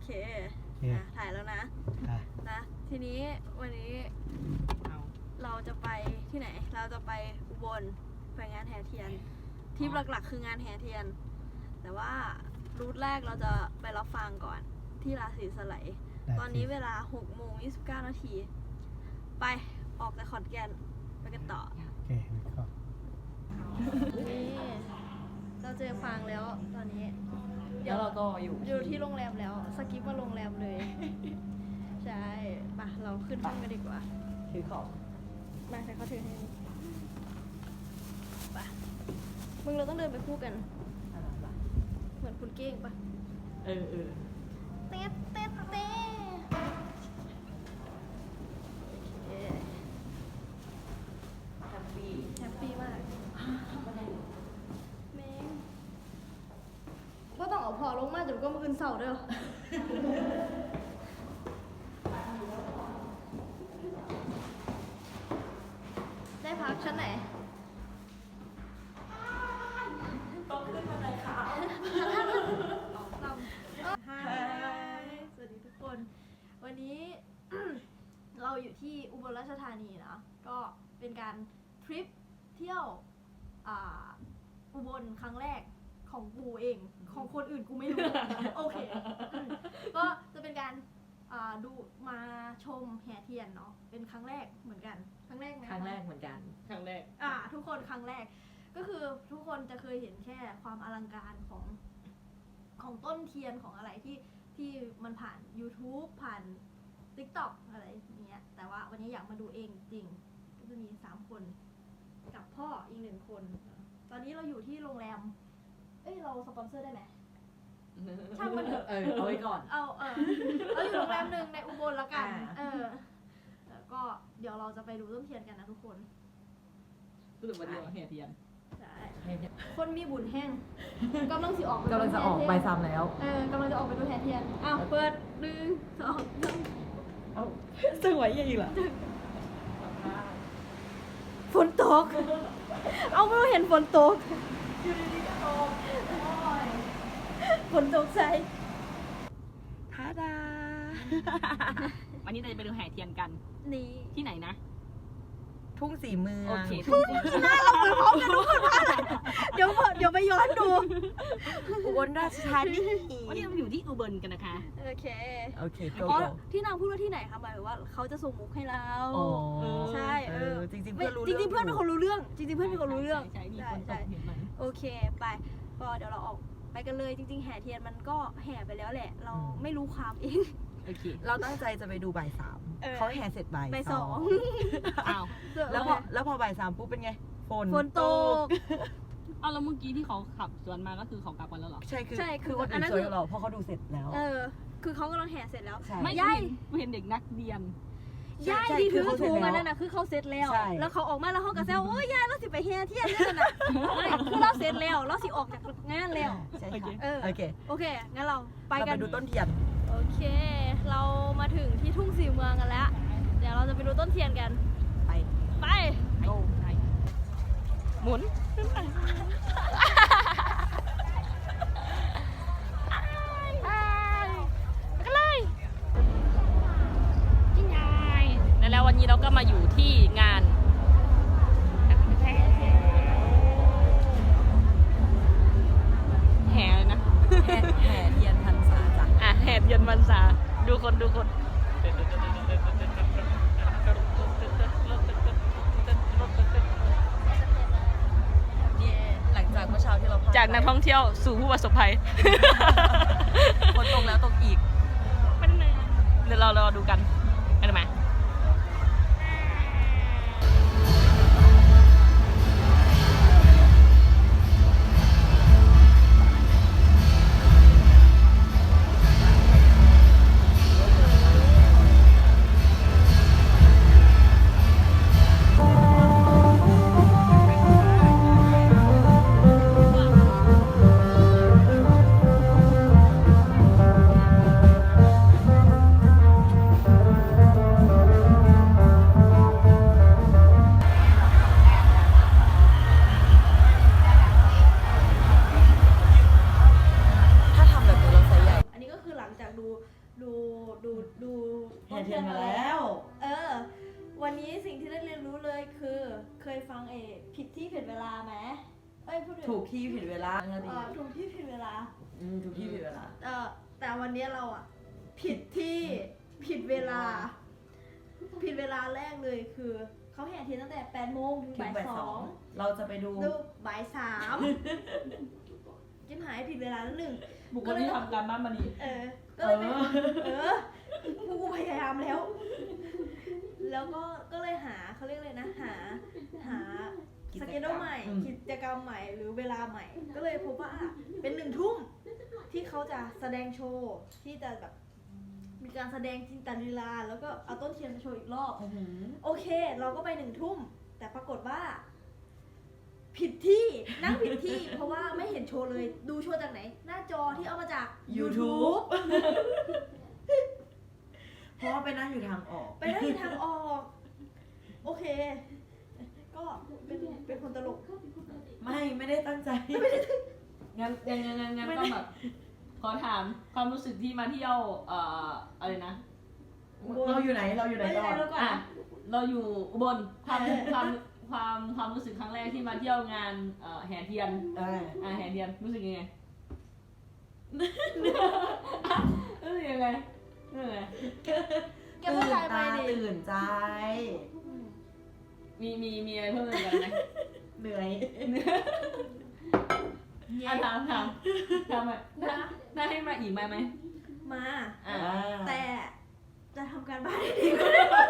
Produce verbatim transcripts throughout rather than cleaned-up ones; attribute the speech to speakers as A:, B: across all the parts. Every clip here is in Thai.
A: เคอ่ะถ่ายแล้วนะนะทีนี้วันนี้เราจะไปที่ไหนเราจะไปอุบลไปงานแห่เทียนทริปหลักๆคืองานแห่เทียนแต่ว่ารูทแรกเราจะไปรับฟังก่อนที่ราศีสไลด์ตอนนี้เวลาหกโมงยี่สิบเก้านาทีไปออกจากขอนแก่นไปกันต่อโอเคนี่เราเจอฟางแล้วตอนนี้
B: เดี๋ยวเราก็อยู่
A: อยู่ที่โรงแรมแล้วสกิปมาโรงแรมเลยใช่ปะเราขึ้นห้องกันดีกว่า
B: ถือของ
A: มาใส่เขาถือให้ปะมึงเราต้องเดินไปคู่กันเหมือนคุณเก้งปะ
B: เออเออ
A: เต๊ะเต๊ะเต๊ะ
B: แฮปปี้
A: แฮปปี้มากแม่งก็ต้องเอาพอลงมาจนก็มืออื่นเสาเด้อได้พักชั้นไหน
B: ต้องขึ้นมาไหนคะ
A: สวัสดีทุกคนวันนี้ เราอยู่ที่อุบลราชธานีนะก็เป็นการทริปเที่ยวอุบลครั้งแรกของกูเองของคนอื่นกูไม่รู้ โอเคก็จะเป็นการดูมาชมแห่เทียนเนาะเป็นครั้งแรกเหมือนกันครั้งแรกไหม
B: ครั้งแรกเหมือนกันครั้งแรก
A: อ่าทุกคนครั้งแรกก็คือทุกคนจะเคยเห็นแค่ความอลังการของของต้นเทียนของอะไรที่ที่มันผ่าน YouTube ผ่าน TikTok อะไรอย่างเงี้ยแต่ว่าวันนี้อยากมาดูเองจริงก็จะมีสามคนกับพ่ออีกหนึ่งคนตอนนี้เราอยู่ที่โรงแรมเอ้ยเราสปอนเซอร์ได้ไหมช่างมันเถอะ
B: เออเอาไว้ก่อน
A: เอาเออเราอยู่โรงแรมหนึ่งในอุบลละกันเออแล้วก็เดี๋ยวเราจะไปดูต้นเทียนกันนะทุกคน
B: รู้สึกว่าดีแห่เทียน
A: ใช่คนมีบุญแห้งกำลังสิออก
B: กำลังจะออกใบซ้ำแล้ว
A: เออกำลังจะออกไปดูแห่เทียนอ้าวเปิดหนึ่งสองสาม
B: เอาสวยยังอีกเหรอ
A: ฝนตกเอาไม่เห็นฝนตก
B: อยู่ดีๆก็ตก
A: ฝนตกใส่
B: ทาดาวันนี้เราจะไปดูแห่เทียนกัน
A: นี่
B: ที่ไหนนะ
C: ทุ่งสีเมือง
B: โอเค
A: ทุ่งหน้าเราเหมือนพร้อมกันทุกคนว่าเดี๋ยวเดี๋ยวไปย้อนดู
C: อุบลราชธานี
B: วันนี้เราอยู่ที่อุบลกันนะคะ
A: โอเค
C: โอเค
A: อ๋อที่นางพูดว่าที่ไหนคะหมายถึงว่าเขาจะส่งมุกให้เราใช่เออ
C: จริงๆเพื่อนรู้
A: จริงๆเพื่อนเป็นคนรู้เรื่องจริงๆเพื่อนเป็นคนรู้เรื่อง
B: ใช่ใช่ใช่
A: โอเคไปก็เดี๋ยวเราออกไปกันเลยจริงๆแห่เทียนมันก็แห่ไปแล้วแหละเราไม่รู้ความเอง
B: โอเค
C: เราตั้งใจจะไปดูบ่ายสามเขาแห่เสร็จบ่าย
A: สอง
B: อ้าว
C: แล้วพอแล้วพอบ่ายสามปุ๊บเป็นไงฝน
A: ฝนตก
B: เอาแล้วเมื่อกี้ที่เขาขับสวนมาก็คือเขากลับกันแล้วเหรอ
C: ใช่คือคือคนอื่นสวยเราเพราะเขาดูเสร็จแล้ว
A: เออคือเขากำลังแห่เสร็จแล้ว
B: ไม่ย่ายไม่เห็นเด็กนักเรียน
A: ย่ายที่ถือถุงอันนั้นน่ะคือเขาเสร็จแล้วแล้วเขาออกมาแล้วเขาก็แซวโอ้ยย่ายเราสิไปแห่เทียนนั่นน่ะคือเราเสร็จแล้วเราสิออกจากงานแล้ว
C: ใช่ค่ะ
A: เออ
C: โอเค
A: โอเคงั้นเราไปกัน
C: ดูต้นเทียน
A: โอเคเรามาถึงที่ทุ่งสีเมืองกันแล้วเดี๋ยวเราจะไปดูต้นเทียนกัน
C: ไป
A: ไป
B: โอ้ไปหมุนแล้ววันนี้เราก็มาอยู่ที่งานแห่เลยนะ
C: แห่แห่เทียนพรรษาจ้ะ
B: อ่ะแห่เทียนพรรษาดูคนดูคน
C: หลังจากเมื่อเช้าที่เรา
B: จากนักท่องเที่ยวสู่ผู้ประสบภัย
C: คนตกแล้วตกอีก
B: เดี๋ยวเรารอดูกันได้ไหม
A: งจากดูดูดูดู
C: แห่เทียนมาแล้ว
A: เออ วันนี้สิ่งที่ได้เรียนรู้เลยคือเคยฟังเอผิดที่ผิดเวลาไหมเอ้ยพูดถึง
C: ถูกที่ผิดเวลา
A: เอ่อถูกที่ผิดเวลา
C: อืมถูกที่ผิดเวลา
A: เออแต่วันนี้เราอ่ะผิดที่ผิดเวลา ผิดเวลาแรกเลยคือเขาแห่เทียนตั้งแต่แปดโมงถึง
C: ถึง
A: บ่าย
C: บ่าย
A: ส
C: ส
A: อ
C: อง งเราจะไปดู
A: ดูบ่ายสามจิ้มหายผิดเวลาแล้วหนึ่ง
B: บุคคลที่ทำการบ้านมาดี
A: เออ ก็เลยไปเออกูพยายามแล้ว แล้วก็ก็เลยหาเขาเรียกเลยนะ หา หา
C: กิ
A: ส
C: จกรรม
A: เกจใหม่
C: อืม
A: กิจกรรมใหม่หรือเวลาใหม่ ก็เลยพบว่าเป็นหนึ่งทุ่มที่เขาจะแสดงโชว์ที่จะแบบมีการแสดงจินตลีลาแล้วก็เอาต้นเทียนมาโชว์อีกรอบ
C: อื้อหือ
A: โอเค เราก็ไปหนึ่งทุ่ม แต่ปรากฏว่า ผิดที่นั่งผิดที่ เพราะว่าไม่เห็นโชว์เลย ดูโชว์จากไหน หน้าจอที่เอามาจาก
C: YouTube เพราะว่าไปนั่งอยู่ทางออก
A: ไปได้ทางออก โอเค ก็เป็นเป็นคนตลก
C: ไม่ไม่ได้ตั้งใจ
B: งั้นงั้นงั้นงั้นงั้นก็แบบขอถามความรู้สึกที่มาเที่ยวเอ่ออะไรนะ
C: เราอยู่ไหนเราอยู่ไหน
A: ไม่
C: ก่
A: ได้
C: อน
A: แล้วก่อน
B: อ่ะเราอยู่อุบลความความความความรู้สึกครั้งแรกที่มาเที่ยวงานเอ่อแห่เทียน
C: เออ
B: อ่าแห่เทียนรู้สึกยังไง รู้สึกยังไงรู้สึกยังไง
A: แกพูดไทยไป
C: ตื่นตา
A: ดิ
C: ตื่นใจ
B: มีมีมีอะไรเพิ่มเติมกันไหม
C: เหนื่อย
A: เย้
B: อ่ะถามถามถามไหมถ้าถ้าให้มาอีกไหมไหม
A: มา
B: อ่า
A: แต่จะทำการบ้านให้ดีกว่า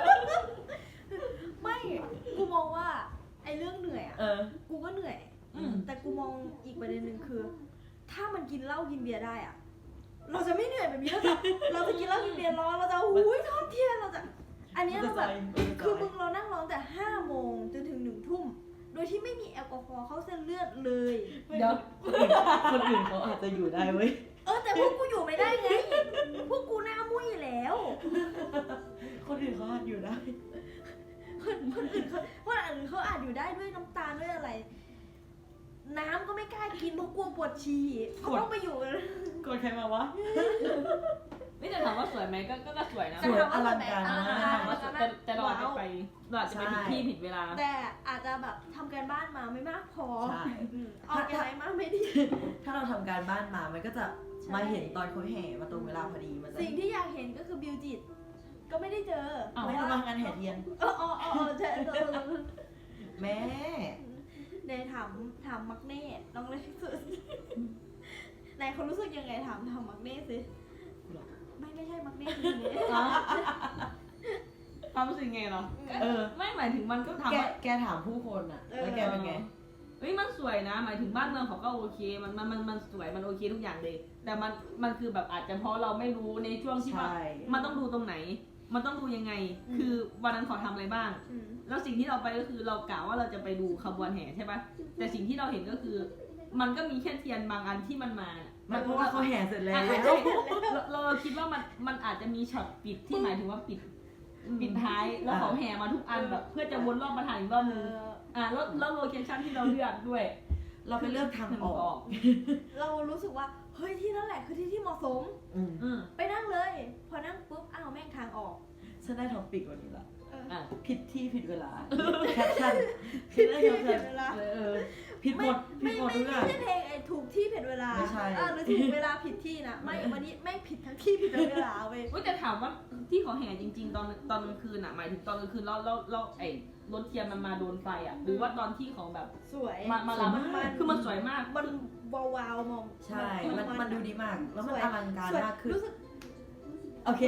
A: ไม่ กูมองว่า ไอ้เรื่องเหนื่อยอ่ะ
C: เออ
A: กูก็เหนื่อย
B: อืม
A: แต่กูมองอีกประเด็นหนึ่งคือ ถ้ามันกินเหล้ากินเบียร์ได้อ่ะ เราจะไม่เหนื่อยแบบนี้แล้วจ้ะเราจะกินเหล้ากินเบียร์ร้อนเราจะอุ้ยทอดเทียนเราจะ อันเนี้ยเราแบบ คือมึงเรานั่งร้องแต่ห้าโมงจนถึงหนึ่งทุ่ม โดยที่ไม่มีแอลกอฮอล์เข้าเส้นเลือดเลย
B: เดี๋ยว
C: คนอื่นคนอื่นเขาอาจจะอยู่ได้เว้ย
A: เออแต่พวกกูอยู่ไม่ได้ไง พวกกูหน้ามุ้ยแล้ว
C: คนอื่นเขาอาจอยู่ได้
A: คนคนอื่นเขาคนอื่นเขาอาจอยู่ได้ด้วยน้ำตาลด้วยอะไร น้ำก็ไม่กล้ากินเพราะกลัวปวดฉี่เขาต้องไปอยู่
C: กดใครมาวะ
B: ไม่แต่ถามว่าสวยไหมก็ก็ก็สวยนะ
C: สวยอลังการ
A: อลัง
C: มาก
A: การ
B: ถามว่าสวยแต่แต่เราอาจจะไปเราอาจจะไปผิดที่ผิดเวลา
A: แต่อาจจะแบบทำการบ้านมาไม่มากพอ
C: ใช่
A: อืมออกอะไรมาไม่ดี
C: ถ้าเราทำการบ้านมา มันก็จะ
A: ใช่
C: มาเห็นตอนเขาแห่มาตรงเวลาพอดี มันจะ
A: สิ่งที่อยากเห็นก็คือบิวจิต ก็ไม่ได้เจอ
B: อ้าว
C: ไม่ทำงานแห่เทียน
A: เออเออเออเออใช่เออเออเออ
C: แม่
A: เนยถามถามมักเน่น้องเล็กสุดนายเขารู้สึกยังไงถามถามมักเน่สิไม่ไม่ใช่มักเน่คือเน่
B: อ๋อความรู้สึกไงเหรอ
C: เออ
B: ไม่หมายถึงมันก็ทำ
C: แก
B: ว่า
C: แกถามผู้คนอะแล้วแกเป็นไง
B: เฮ้ยมันสวยนะ หมายถึงบ้านเมืองเขาก็โอเค มันมันมันมันสวยมันโอเคทุกอย่างเลย แต่มันมันคือแบบอาจจะเพราะเราไม่รู้ในช่วงที่ว่า
C: ใช่
B: มันต้องดูตรงไหน มันต้องดูยังไง คือวันนั้นเขาทำอะไรบ้าง
A: อืม
B: แล้วสิ่งที่เราไปก็คือเรากะว่าเราจะไปดูขบวนแห่ใช่ปะแต่สิ่งที่เราเห็นก็คือ มันก็มีแค่เทียนบางอันที่มันมา
C: มันเพราะว่าเขาแห่เสร็จแล้ว
B: อ่ะใช่เราเราคิดว่ามันมันอาจจะมีช็อตปิดที่หมายถึงว่าปิดปิดท้ายแล้วเขาแห่มาทุกอันแบบ เพื่อจะวนรอบมาถ่ายอีกรอบนึง
A: เออ
B: อ่ะแล้วแล้วโลเคชั่นที่เราเลือกด้วย
C: เราไปเลือกทางออก
A: เรารู้สึกว่าเฮ้ยที่นั่นแหละคือที่ที่เหมาะสม
C: อืม
B: อืม
A: ไปนั่งเลย พอนั่งปุ๊บอ้าวแม่งทางออก
C: ฉันได้ท็อปปิกวันนี้ละ
A: เออ
B: อ่ะ
C: ผิดที่ผิดเวลา แคปชั่น
A: ผิด
C: ได้
A: ที่
C: แคป
A: ผิ
C: ชั่
A: ด
C: น
A: เวลา
C: เออเออผิดหมดผิ
A: ไม่
C: ดหมด
A: ไม่
C: ทุกอ
A: ไม่
C: ย่าง
A: ใช่เพลงไอ้ถูกที่ผิดเวลา
C: ไม่ใช่
A: อ่าหรือถูกเวลาผิดที่นะไม่วันนี้ไม่ผิดทั้งที่ผิดทั้งเวลาเว้ย
B: เว้ยแต่ถามว่าที่เขาแห่จริง ๆ ตอนตอนกลางคืนอ่ะหมายถึงตอนกลางคืนแล้วแล้วแล้วไอ้รถเทียนมันมาโดนไฟอ่ะหรือว่าตอนที่เขาแบบ
A: สวย
B: มามาลำคือมันสวยมาก
A: มันวาวาวๆมอง
C: ใช่ มันมันดูดีมาก แล้วมัน
A: สวย
C: อลังการ
A: สวย
C: มากขึ้น
A: รู้สึก
C: โอเค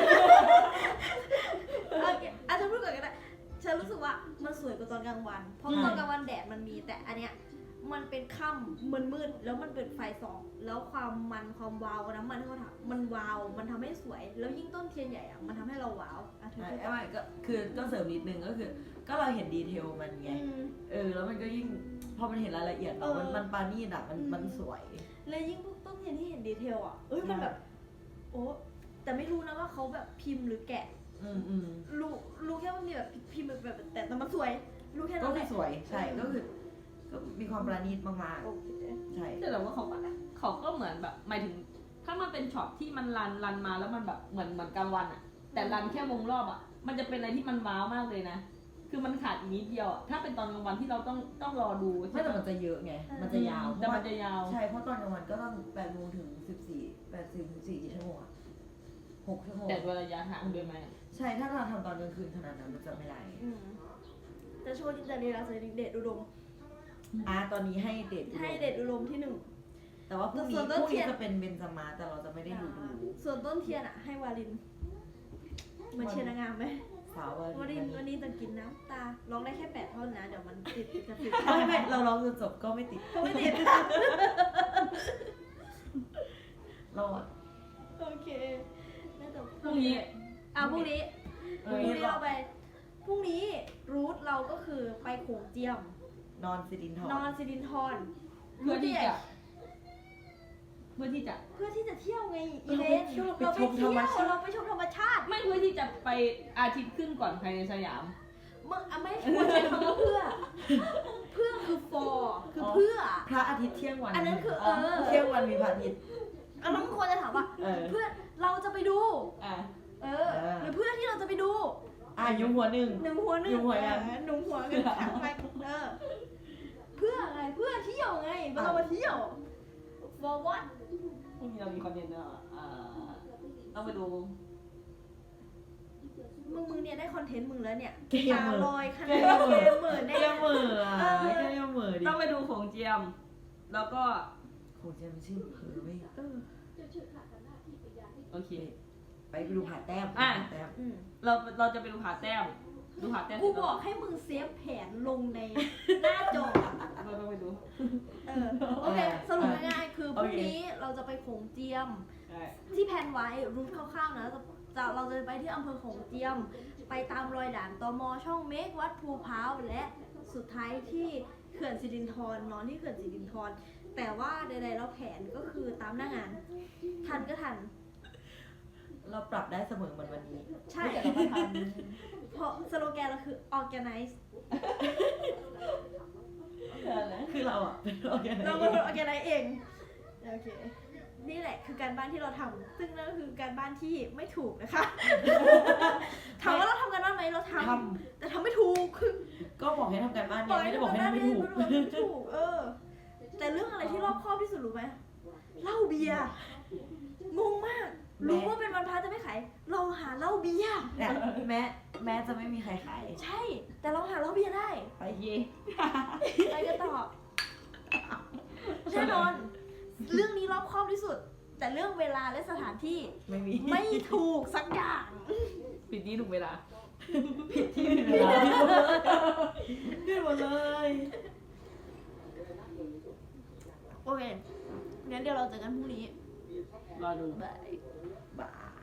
A: โอเคอาจจะพูดก่อนก็ได้ฉันรู้สึกว่ามันสวยกว่าตอนกลางวัน เพราะ
C: อืม
A: ตอนกลางวันแดดมันมีแต่อันเนี้ยมันเป็นค่ำมันมืดแล้วมันเป็นไฟส่องแล้วความมันความวาวของน้ำมันที่เขาทำมันวาวมันทำให้สวย แล้วยิ่งต้นเทียนใหญ่อะมันทำให้เราว้าวอ่ะเธอ
C: ใช่
A: พูด
C: ไอ้ไม่ก็คือก็เสริมนิดนึงก็คือ ก็เราเห็นดีเทลมันไง
A: อืม
C: เออ แล้วมันก็ยิ่ง พอมันเห็นรายละเอียด
A: เออ
C: มันมันปานีดอะมัน
A: อืม
C: มันสวย
A: แล้วยิ่งพวกต้นเทียนที่เห็นดีเทลอ่ะเอ้ยมันแบบ โอ้แต่ไม่รู้นะว่าเขาแบบพิมพ์หรือแกะ
C: อืมอืม
A: รู้รู้แค่ว่ามีแบบพิมพ์แบบแบบแต่แต่มันสวย รู้แค่
C: ก็
A: นั้นแห
C: คือ
A: ละ
C: สวย ใช่ ก็คือ ก็มีความประณีตมาก
A: โอเค
C: ๆ ใช่
B: แต่เราว่าเขาก็เขาก็เหมือนแบบหมายถึงถ้ามันเป็นช็อตที่มันรันรันมาแล้วมันแบบเหมือนเหมือนกลางวันอะแต่รันแค่วงรอบอะมันจะเป็นอะไรที่มันว้าวมากเลยนะคือมันขาดอีกนิดเดียวอะถ้าเป็นตอนกลางวันที่เราต้องต้องรอดู
C: ไม่แต่มันจะเยอะไง มันจะยาว
B: แต่มันจะยาว
C: ใช่ เพราะตอนกลางวันก็ต้องแปดโมงถึงสิบสี่แปดสิบถึงสี่กี่ชั่วโมงอะหกชั่วโมง
B: แต่ด้วยระยะทางด้วยไหม
C: ใช่ ถ้าเราทำตอนกลางคืนขนาดนั้นมันจะไม่ได้
A: อืมแต่ช่วงที่จะเรียนเราจะเดทอุดม
C: อ่ะตอนนี้ให้เดท
A: ให้เดทอุดมที่หนึ่ง
C: แต่ว่าพรุ่ง
A: ส่
C: นี้
A: วน
C: พ
A: ต้น
C: รุ่ง
A: เที
C: นี้
A: ยน
C: จะเป็นเบนจามาแต่เราจะไม่ได้ดูดู
A: ส่วนต้นเทียนอะให้วาลินเหมือนเชียร์นางงามไหม
C: สาววัน
A: วาลินวันนี้จะกินน้ำตาร้องได้แค่แปดท่อนนะเดี๋ยวมันติดจะติด
C: ไม่ไม่เราร้องจนจบก็ไม่ติด
A: ก็ไม่ติด
C: เราอะ
A: โอเคน่าจะ
B: พรุ่งนี้
A: อ่ะพรุ่งนี้พ
C: เอ
A: รุ่ง
C: อ
A: นี้เราไปพรุ่งนี้รูทเราก็คือไปโขงเจียม
C: นอนสิรินทร
A: นอนสิรินทร
B: เพื่อที่จะเพื่อที่จะ
A: เพื่อที่จะเที่ยวไงอี
C: เรา
A: เล
C: ไป
A: น
C: เที่ยว
A: เรา
C: ไป
A: ไป
C: ชมธร
A: เที่ยว
C: รมชาติ
A: เราไปชมธรรมชาติ
B: ไม่เพื่อที่จะไปอาทิตย์ขึ้นก่อนภายในสยาม
A: มึงอ่ะไม่ควรใช้คำว่าเพื่อ เพื่อคือ for คือเพื่อ
C: พระอาทิตย์เที่ยงวัน
A: อันนั้นคือเออ
C: เที่ยงวันมีพระอาทิตย์
A: อันนั้นมึงควรจะถามว่า
C: เออ
A: เพื่อเราจะไปดู
B: อ่ะ
A: เออ หรือเพื่อที่เราจะไปดู
C: อ่ะยุงหัวหนึ่ง
A: หนึ่งหัวหนึ่ง
C: หนึ่งหัวยัง
A: เออหนึ่งหัวกันถามไปเออ เพื่ออะไร เพื่อเที่ยวไงเรามาเที่ยว for what
B: พรุ่งนี้เรามีคอนเทนต์เนอะอ่าต้องไปดู
A: มึงมึงเนี่ยได้คอนเทนต์มึงแล้วเนี่ย
C: เกม
A: ตา
C: เหมือ
A: ลอยข
C: เก
A: นาด
C: มเหมื
A: เก
C: อ
A: มเหมือน
C: เก
A: เนี่ย
C: มเหมืออ่ะ
A: เออ
C: เกมเหมือดิ
B: ต้องไปดูโขงเจียม แล้วก็
C: โขงเจียมชื่อเผลอไม่
A: เออ
B: โอเค
C: ไปดูผาแต้ม
B: อ่ะ
C: ผาแต้ม
A: อืม
B: เราเราจะไปดูผาแต้ม ดูผาแต้ม
A: กูบอกให้มึงเซฟแผนลงในหน้าจอ
B: เราต้องไปดู
A: เออ โอเค สรุปง่ายๆ คือพรุ่งนี้เราจะไปโขงเจียม
B: ใช่
A: ที่แผนไว้รูทคร่าวๆนะจะจะเราจะไปที่อำเภอโขงเจียม ไปตามรอยด่านตมช่องเมกวัดภูพร้าวและสุดท้ายที่เขื่อนสิรินธรนอนที่เขื่อนสิรินธรแต่ว่าใดๆแล้วแผนก็คือตามหน้างาน ทันก็ทัน
C: เราปรับได้เสมอเหมือนวันนี้
A: ใช่
B: เดี๋ยวเราไปท
A: เพราะสโลแกนเราคือ organize
B: ำอะไร
C: คือเราอะเป็นโอเค
A: เราเป็นคน organize เองโอเค นี่แหละคือการบ้านที่เราทำซึ่งนั่นก็คือการบ้านที่ไม่ถูกนะคะ ถามว่าเราทำการบ้านไหมเราท
C: ท
A: ำแต่ทำไม่ถูกคือ
C: ำก็บอกให้ทำการบ้านเนี่ยไม่ได้บอกให้ทำไม่ถูก
A: ไม่ได้บอกให้ทำไม่ถูก เออ แต่เรื่องอะไรที่รอบคอบที่สุดรู้ไหมเหล้าเบียร์งงมาก รู้ว่าเป็นวันพระจะไม่ขายเราหาเหล้าเบียร์
C: เนี่ยแม้แม้จะไม่มีใครขาย
A: ใช่ แต่เราหาเหล้าเบียร์ได้
C: ไปเย่
A: ไปกันต่อแน่นอน เรื่องนี้รอบคอบที่สุด แต่เรื่องเวลาและสถานที่
C: ไม่มี
A: ไม่ถูกสักอย่าง
B: ปิดนี้ถูกเวลา
C: ผิดที่ผิดเวลาผิดหมดเลย
A: โอเค งั้นเดี๋ยวเราเจอกันพรุ่งนี้
B: รอดู
A: บาย
C: บาย